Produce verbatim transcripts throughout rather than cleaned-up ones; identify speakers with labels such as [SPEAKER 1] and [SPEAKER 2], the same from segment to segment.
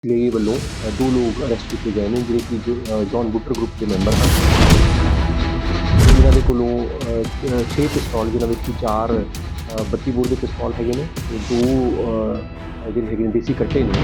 [SPEAKER 1] CIA ਵੱਲੋਂ ਅ, ਦੋ ਲੋਕ ਅਰੈਸਟ ਕੀਤੇ ਗਏ ਨੇ ਜਿਹੜੇ ਕਿ ਜੋ ਅ, ਜੌਨ ਬੁੱਟਰ ਗਰੁੱਪ ਦੇ ਮੈਂਬਰ ਹਨ। ਇਹਨਾਂ ਦੇ ਕੋਲੋਂ ਅ, ਅ, ਛੇ ਪਿਸਤੌਲ ਜਿਨ੍ਹਾਂ ਵਿੱਚ ਕਿ ਚਾਰ ਅ, ਬੱਤੀ ਬੋਰ ਦੇ ਪਿਸਤੌਲ ਹੈਗੇ ਨੇ ਤੇ ਦੋ ਅ, ਜਿਹੜੇ ਹੈਗੇ ਨੇ ਦੇਸੀ ਕੱਟੇ ਨੇ।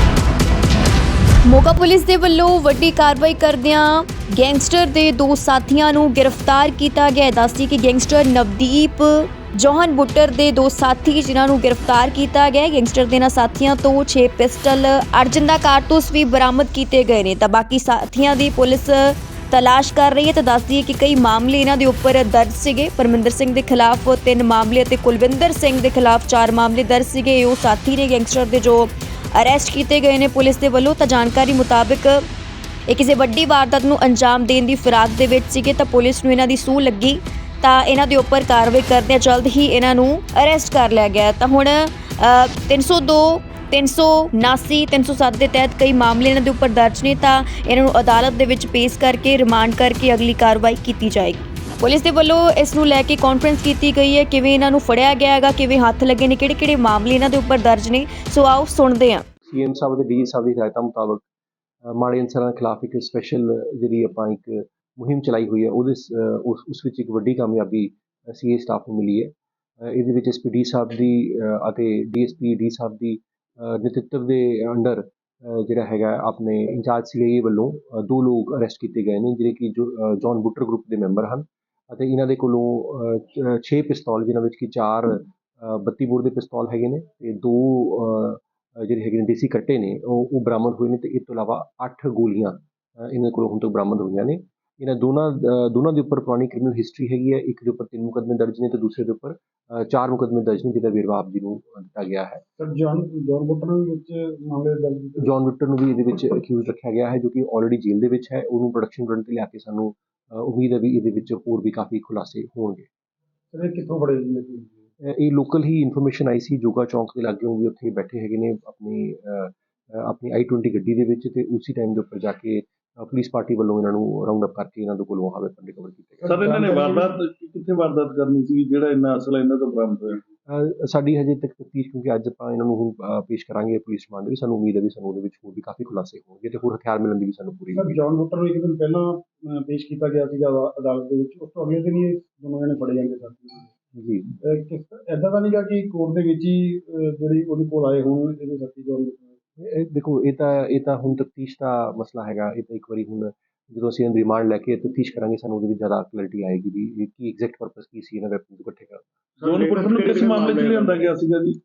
[SPEAKER 2] ਮੋਗਾ ਪੁਲਿਸ ਦੇ ਵੱਲੋਂ ਵੱਡੀ ਕਾਰਵਾਈ ਕਰਦਿਆਂ ਗੈਂਗਸਟਰ ਦੇ ਦੋ ਸਾਥੀਆਂ ਨੂੰ ਗ੍ਰਿਫਤਾਰ ਕੀਤਾ ਗਿਆ ਹੈ। ਦੱਸਦੀ ਕਿ ਗੈਂਗਸਟਰ ਨਵਦੀਪ ਜੌਹਨ ਬੁੱਟਰ ਦੇ ਦੋ ਸਾਥੀ ਜਿਨ੍ਹਾਂ ਨੂੰ ਗ੍ਰਿਫਤਾਰ ਕੀਤਾ ਗਿਆ ਹੈ। ਗੈਂਗਸਟਰ ਦੇ ਇਹਨਾਂ ਸਾਥੀਆਂ ਤੋਂ ਛੇ ਪਿਸਟਲ ਅਰਜਨ ਦਾ ਕਾਰਤੂਸ ਵੀ ਬਰਾਮਦ ਕੀਤੇ ਗਏ ਨੇ ਤਾਂ ਬਾਕੀ ਸਾਥੀਆਂ ਦੀ ਪੁਲਿਸ ਤਲਾਸ਼ ਕਰ ਰਹੀ ਹੈ। ਤਾਂ ਦੱਸਦੀ ਹੈ ਕਿ ਕਈ ਮਾਮਲੇ ਇਹਨਾਂ ਦੇ ਉੱਪਰ ਦਰਜ ਸੀਗੇ। ਪਰਮਿੰਦਰ ਸਿੰਘ ਦੇ ਖਿਲਾਫ ਤਿੰਨ ਮਾਮਲੇ ਅਤੇ ਕੁਲਵਿੰਦਰ ਸਿੰਘ ਦੇ ਖਿਲਾਫ ਚਾਰ ਮਾਮਲੇ ਦਰਜ ਸੀਗੇ। ਉਹ ਸਾਥੀ ਨੇ ਗੈਂਗਸਟਰ ਦੇ ਜੋ ਅਰੈਸਟ ਕੀਤੇ ਗਏ ਨੇ ਪੁਲਿਸ ਦੇ ਵੱਲੋਂ। ਤਾਂ ਜਾਣਕਾਰੀ ਮੁਤਾਬਕ ਇਹ ਕਿਸੇ ਵੱਡੀ ਵਾਰਦਾਤ ਨੂੰ ਅੰਜਾਮ ਦੇਣ ਦੀ ਫਿਰਾਕ ਦੇ ਵਿੱਚ ਸੀਗੇ ਤਾਂ ਪੁਲਿਸ ਨੂੰ ਇਹਨਾਂ ਦੀ ਸੂਹ ਲੱਗੀ ਤਾਂ ਇਹਨਾਂ ਦੇ ਉੱਪਰ ਕਾਰਵਾਈ ਕਰਦਿਆਂ ਜਲਦ ਹੀ ਇਹਨਾਂ ਨੂੰ ਅਰੈਸਟ ਕਰ ਲਿਆ ਗਿਆ। ਤਾਂ ਹੁਣ ਤਿੰਨ ਸੌ ਦੋ ਤਿੰਨ ਸੌ ਉਨਾਸੀ ਤਿੰਨ ਸੌ ਸੱਤ ਦੇ ਤਹਿਤ ਕਈ ਮਾਮਲੇ ਇਹਨਾਂ ਦੇ ਉੱਪਰ ਦਰਜ ਨੇ ਤਾਂ ਇਹਨਾਂ ਨੂੰ ਅਦਾਲਤ ਦੇ ਵਿੱਚ ਪੇਸ਼ ਕਰਕੇ ਰਿਮਾਂਡ ਕਰਕੇ ਅਗਲੀ ਕਾਰਵਾਈ ਕੀਤੀ ਜਾਏਗੀ। ਪੁਲਿਸ ਦੇ ਵੱਲੋਂ ਇਸ ਨੂੰ ਲੈ ਕੇ ਕਾਨਫਰੰਸ ਕੀਤੀ ਗਈ ਹੈ, ਕਿਵੇਂ ਇਹਨਾਂ ਨੂੰ ਫੜਿਆ ਗਿਆ ਹੈਗਾ, ਕਿਵੇਂ ਹੱਥ ਲੱਗੇ ਨੇ, ਕਿਹੜੇ ਕਿਹੜੇ ਮਾਮਲੇ ਇਹਨਾਂ ਦੇ ਉੱਪਰ ਦਰਜ ਨੇ। ਸੋ ਆਓ ਸੁਣਦੇ ਹਾਂ।
[SPEAKER 1] ਸੀਐਮ ਸਾਹਿਬ ਦੇ ਡੀ ਸਾਹਿਬ ਦੀ ਹਦਾਇਤਾਂ ਮੁਤਾਬਕ ਅ, ਮਾੜੇ ਅਨਸਰਾਂ ਦੇ ਖਿਲਾਫ ਇੱਕ ਸਪੈਸ਼ਲ ਜਿਹੜੀ ਆਪਾਂ ਇੱਕ ਮੁਹਿੰਮ ਚਲਾਈ ਹੋਈ ਹੈ ਉਹਦੇ ਸ- ਅ, ਉਸ ਉਸ ਵਿੱਚ ਇੱਕ ਵੱਡੀ ਕਾਮਯਾਬੀ ਸੀਏ ਸਟਾਫ ਨੂੰ ਮਿਲੀ ਹੈ। ਅ, ਇਹਦੇ ਵਿੱਚ ਐਸਪੀ ਡੀ ਸਾਹਿਬ ਦੀ ਅ, ਅਤੇ ਡੀਐਸਪੀ ਡੀ ਸਾਹਿਬ ਦੀ ਅ, ਨੇਤਰਤਵ ਦੇ ਅੰਡਰ ਅ, ਜਿਹੜਾ ਹੈਗਾ ਆਪਣੇ ਇੰਚਾਰਜ ਸੀਆਈਏ ਵੱਲੋਂ ਅ, ਦੋ ਲੋਕ ਅਰੈਸਟ ਕੀਤੇ ਗਏ ਨੇ ਜਿਹੜੇ ਕਿ ਜੋ ਅ, ਜੌਨ ਬੁੱਟਰ ਗਰੁੱਪ ਦੇ ਮੈਂਬਰ ਹਨ ਅਤੇ ਇਹਨਾਂ ਦੇ ਕੋਲੋਂ ਅ, ਚ- ਛੇ ਪਿਸਤੌਲ ਜਿਨ੍ਹਾਂ ਵਿੱਚ ਕਿ ਚਾਰ ਅ, ਬੱਤੀ ਬੋਰ ਦੇ ਪਿਸਤੌਲ ਹੈਗੇ ਨੇ ਤੇ ਦੋ ਅ, ਅ, ਜਿਹੜੇ ਹੈਗੇ ਨੇ ਦੇਸੀ ਕੱਟੇ ਨੇ ਉਹ ਉਹ ਬਰਾਮਦ ਹੋਏ ਨੇ ਤੇ ਇਸ ਤੋਂ ਇਲਾਵਾ ਅੱਠ ਗੋਲੀਆਂ ਅ, ਇਹਨਾਂ ਕੋਲੋਂ ਹੁਣ ਤੱਕ ਬਰਾਮਦ ਹੋਈਆਂ ਨੇ। ਇਹਨਾਂ ਦੋਨਾਂ ਅ, ਦੋਨਾਂ ਦੇ ਉੱਪਰ ਪੁਰਾਣੀ ਕ੍ਰਿਮੀਨਲ ਹਿਸਟਰੀ ਹੈਗੀ ਹੈ। ਇੱਕ ਦੇ ਉੱਪਰ ਤਿੰਨ ਮੁਕੱਦਮੇ ਦਰਜ ਨੇ ਤੇ ਦੂਸਰੇ ਦੇ ਉੱਪਰ ਅ, ਚਾਰ ਮੁਕੱਦਮੇ ਦਰਜ ਨੇ ਜਿਹਦਾ ਵੇਰਵਾ ਆਪ ਜੀ ਨੂੰ ਅ, ਦਿੱਤਾ ਗਿਆ ਹੈ।
[SPEAKER 3] ਸਰ ਜੌਨ ਜੌਨ ਬੁੱਟਰ ਦੇ ਵਿੱਚ ਮਾਮਲੇ ਦਰਜ ਕੀਤੇ।
[SPEAKER 1] ਜੌਨ ਵਿਕਟਰ ਨੂੰ ਵੀ ਇਹਦੇ ਵਿੱਚ ਅਕਿਊਜ਼ ਰੱਖਿਆ ਗਿਆ ਹੈ ਜੋ ਕਿ ਆਲਰੇਡੀ ਜੇਲ੍ਹ ਦੇ ਵਿੱਚ ਹੈ। ਉਹਨੂੰ ਪ੍ਰੋਡਕਸ਼ਨ ਕਰਨ ਤੇ ਲਿਆ ਕੇ ਸਾਨੂੰ ਅ, ਉਮੀਦ ਹੈ ਵੀ ਇਹਦੇ ਵਿੱਚ ਹੋਰ ਵੀ ਕਾਫੀ ਖੁਲਾਸੇ ਹੋਣਗੇ।
[SPEAKER 3] ਸਰ ਇਹ ਕਿੱਥੋਂ ਫੜੇ ਜੀ ਇਹ?
[SPEAKER 1] ਅ, ਇਹ ਲੋਕਲ ਹੀ ਇਨਫੋਰਮੇਸ਼ਨ ਆਈ ਸੀ ਜੋਗਾ ਚੌਂਕ ਦੇ ਲਾਗਿਓਂ ਵੀ ਉੱਥੇ ਬੈਠੇ ਹੈਗੇ ਨੇ ਆਪਣੀ ਅ, ਅ, ਆਪਣੀ ਆਈ ਟਵੈਂਟੀ ਗੱਡੀ ਦੇ ਵਿੱਚ ਤੇ ਉਸੇ ਟਾਈਮ ਦੇ ਉੱਪਰ ਜਾ ਕੇ ਅ, ਪੁਲਿਸ ਪਾਰਟੀ ਵੱਲੋਂ ਇਹਨਾਂ ਨੂੰ ਰਾਉਂਡ ਅਪ ਕਰਕੇ ਇਹਨਾਂ ਦੇ ਕੋਲੋਂ ਆਹ ਵੈਪਨ ਰਿਕਵਰ ਕੀਤੇ ਗਏ।
[SPEAKER 4] ਸਰ ਇਹਨਾਂ ਨੇ ਵਾਰਦਾਤ ਕਿੱਥੇ ਵਾਰਦਾਤ ਕਰਨੀ ਸੀ ਜਿਹੜਾ ਇੰਨਾ ਅਸਲਾ ਇਹਨਾਂ ਤੋਂ ਬਰਾਮਦ ਹੋਇਆ?
[SPEAKER 1] ਅ, ਸਾਡੀ ਹਜੇ ਤੱਕ ਤਫਤੀਸ਼ ਕਿਉਂਕਿ ਅੱਜ ਆਪਾਂ ਇਹਨਾਂ ਨੂੰ ਹੁਣ ਅ, ਪੇਸ਼ ਕਰਾਂਗੇ ਪੁਲਿਸ ਰਿਮਾਂਡ ਵੀ ਸਾਨੂੰ ਉਮੀਦ ਹੈ ਵੀ ਸਾਨੂੰ ਉਹਦੇ ਵਿੱਚ ਹੋਰ ਵੀ ਕਾਫੀ ਖੁਲਾਸੇ ਹੋਣਗੇ ਤੇ ਹੋਰ ਹਥਿਆਰ ਮਿਲਣ ਦੀ ਵੀ ਸਾਨੂੰ ਪੂਰੀ
[SPEAKER 3] ਸਰ
[SPEAKER 1] ਉਮੀਦ
[SPEAKER 3] ਜੌਨ ਬੁੱਟਰ ਨੂੰ ਇੱਕ ਦਿਨ ਪਹਿਲਾਂ ਅਹ, ਪੇਸ਼ ਕੀਤਾ ਗਿਆ ਸੀਗਾ ਅਦਾ- ਅਦਾਲਤ ਦੇ ਵਿੱਚ। ਉਸ ਤੋਂ ਅਗਲੇ ਦਿਨ ਹੀ ਇਹ ਦੋਨੋਂ ਜਣੇ ਫੜੇ ਜਾਂਦੇ ਸਨ।
[SPEAKER 1] ਹੈ। ਜੀ
[SPEAKER 3] ਅਹ, ਕਿਸ ਐਦਾਂ ਤਾਂ ਨਹੀਂਗਾ ਕਿ ਕੋਰਟ ਦੇ ਵਿੱਚ ਹੀ ਅਹ, ਜਿਹੜੀ ਉਹਦੇ ਕੋਲ ਆਏ ਹੋਣ ਇਹਦੇ ਸਾਥੀ ਜੌਨ ਬੁੱਟਰ।
[SPEAKER 1] ਇਹ ਦੇਖੋ ਇਹ ਤਾਂ ਇਹ ਤਾਂ ਹੁਣ ਤਫਤੀਸ਼ ਦਾ ਮਸਲਾ ਹੈਗਾ। ਇਹ ਤਾਂ ਇੱਕ ਵਾਰੀ ਹੁਣ ਜਦੋਂ ਅਸੀਂ ਇਹਨਾਂ ਰਿਮਾਂਡ ਲੈ ਕੇ ਤਫਤੀਸ਼ ਕਰਾਂਗੇ ਸਾਨੂੰ ਉਹਦੇ ਵਿੱਚ ਜ਼ਿਆਦਾ ਕਲੈਰਿਟੀ ਆਏਗੀ ਵੀ ਇਹ ਕੀ ਐਗਜ਼ੈਕਟ ਪਰਪਸ ਕੀ ਸੀ ਇਹਨਾਂ ਵੈਪਨ ਨੂੰ ਇਕੱਠੇ ਕਰਨ ਦਾ।
[SPEAKER 4] ਜੌਨ ਬੁੱਟਰ ਨੂੰ ਕਿਸ ਮਾਮਲੇ 'ਚ ਲਿਆਂਦਾ ਗਿਆ ਸੀਗਾ ਜੀ?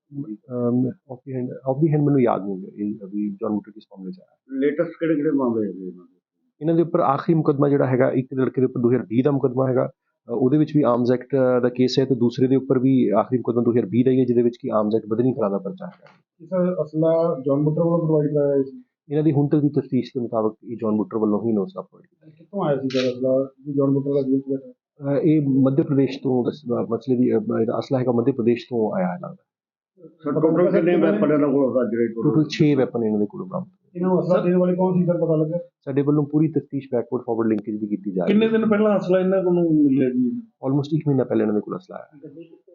[SPEAKER 1] Off the hand off the hand ਮੈਨੂੰ ਯਾਦ ਨਹੀਂ ਹੈ ਇਹ ਅਭੀ ਜੌਨ ਬੁੱਟਰ ਕਿਸ ਮਾਮਲੇ 'ਚ ਆਇਆ।
[SPEAKER 3] ਲੇਟੈਸਟ ਕਿਹੜੇ ਕਿਹੜੇ ਮਾਮਲੇ ਹੈਗੇ ਇਹਨਾਂ ਦੇ?
[SPEAKER 1] ਇਹਨਾਂ ਦੇ ਉੱਪਰ ਆਖਰੀ ਮੁਕੱਦਮਾ ਜਿਹੜਾ ਹੈਗਾ ਇੱਕ ਲੜਕੇ ਦੇ ਉੱਪਰ ਦੋ ਹਜ਼ਾਰ ਵੀਹ ਦਾ ਮੁਕੱਦਮਾ ਹੈਗਾ। ਅ, ਉਹਦੇ ਵਿੱਚ ਵੀ ਆਰਮਜ਼ ਐਕਟ ਦਾ ਕੇਸ ਹੈ ਤੇ ਦੂਸਰੇ ਦੇ ਉੱਪਰ ਵੀ ਆਖਰੀ ਮੁਕੱਦਮਾ ਦੋ ਹਜ਼ਾਰ ਵੀਹ ਦਾ ਹੀ ਹੈ ਜਿਹਦੇ ਵਿੱਚ ਕਿ ਆਰਮਜ਼ ਐਕਟ ਬਦਨੀ ਕਰਾ ਦਾ ਪਰਚਾ ਹੈਗਾ।
[SPEAKER 3] ਇਸ ਅਸਲਾ ਜੌਨ ਬੁੱਟਰ ਵੱਲੋਂ ਪ੍ਰੋਵਾਈਡ ਕਰਾਇਆ ਸੀ।
[SPEAKER 1] ਇਹਨਾਂ ਦੀ ਹੁਣ ਤੱਕ ਦੀ ਤਫਤੀਸ਼ ਦੇ ਮੁਤਾਬਕ ਇਹ ਜੌਨ ਬੁੱਟਰ ਵੱਲੋਂ ਹੀ ਨੋਸਾ ਪ੍ਰੋਵਾਈਡ ਕੀਤਾ ਗਿਆ।
[SPEAKER 3] ਕਿੱਥੋਂ ਆਇਆ ਸੀ ਸਰ ਅਸਲਾ ਜੀ ਜੌਨ ਬੁੱਟਰ ਦਾ ਜੇਲ੍ਹ 'ਚ ਬੈਠਾ?
[SPEAKER 1] ਅ, ਇਹ ਮੱਧ ਪ੍ਰਦੇਸ਼ ਤੋਂ ਦਸ- ਅ, ਮਸਲੇ ਦੀ ਅ, ਇਹਦਾ ਅਸਲਾ ਹੈਗਾ ਮੱਧ ਪ੍ਰਦੇਸ਼ ਤੋਂ ਆਇਆ ਹੈ ਲੱਗਦਾ।
[SPEAKER 3] ਸਰ ਟੋਟਲ ਕਿੰਨੇ ਵੈਪਨ ਇਹਨਾਂ ਕੋਲ ਅੱਜ ਜਿਹੜੇ
[SPEAKER 1] ਟੋਟਲ ਛੇ ਵੈਪਨ ਇਹਨਾਂ ਦੇ ਕੋਲ ਬਰਾਮਦ ਹੋਏ।
[SPEAKER 3] ਇਹਨਾਂ ਨੂੰ ਅਸਲਾ ਦੇਣ ਵਾਲੇ ਕੌਣ ਸੀ ਸਰ ਪਤਾ ਲੱਗਾ?
[SPEAKER 1] ਸਾਡੇ ਵੱਲੋਂ ਪੂਰੀ ਤਫਤੀਸ਼ ਬੈਕਵਰਡ ਫਾਰਵਰਡ ਲਿੰਕੇਜ ਦੀ ਕੀਤੀ ਜਾ ਰਹੀ
[SPEAKER 4] ਕਿੰਨੇ
[SPEAKER 1] ਹੈ।
[SPEAKER 4] ਦਿਨ ਪਹਿਲਾਂ ਅਸਲਾ ਇਹਨਾਂ ਕੋਲ ਮਿਲਿਆ ਜੀ?
[SPEAKER 1] ਆਲਮੋਸਟ ਇੱਕ ਮਹੀਨਾ ਪਹਿਲੇ ਇਹਨਾਂ ਦੇ ਕੋਲ ਅਸਲਾ ਆਇਆ।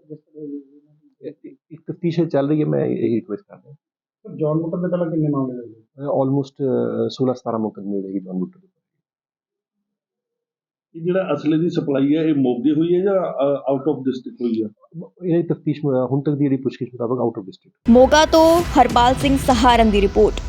[SPEAKER 1] ਇਹ- ਇੱਕ ਤਫਤੀਸ਼ ਚੱਲ ਰਹੀ ਹੈ ਮੈਂ ਇਹ ਰਿਕੁਐਸਟ ਕਰ ਰਿਹਾ।
[SPEAKER 3] ਸਰ ਜੌਨ ਬੁੱਟਰ ਦੇ ਪਹਿਲਾਂ ਕਿੰਨੇ ਮਾਮਲੇ ਲੱਗੇ?
[SPEAKER 1] ਆਲਮੋਸਟ ਸੋਲਾਂ ਸਤਾਰਾਂ ਮੁਕੱਦਮੇ ਜਿਹੜੇ ਜੌਨ ਬੁੱਟਰ ਦੇ।
[SPEAKER 4] ਇਹ ਜਿਹੜਾ ਅਸਲੇ ਦੀ ਸਪਲਾਈ ਹੈ ਇਹ ਮੋਗੇ ਹੋਈ ਹੈ ਜਾਂ ਆਊਟ ਆਫ ਡਿਸਟ੍ਰਿਕਟ ਹੋਈ ਹੈ?
[SPEAKER 1] ਇਹਨਾਂ ਦੀ ਤਫਤੀਸ਼ ਹੁਣ ਤੱਕ ਦੀ ਜਿਹੜੀ ਪੁੱਛਗਿੱਛ ਮੁਤਾਬਕ ਆਊਟ ਆਫ ਡਿਸਟ੍ਰਿਕਟ।
[SPEAKER 2] ਮੋਗਾ ਤੋਂ ਹਰਪਾਲ ਸਿੰਘ ਸਹਾਰਨ ਦੀ ਰਿਪੋਰਟ।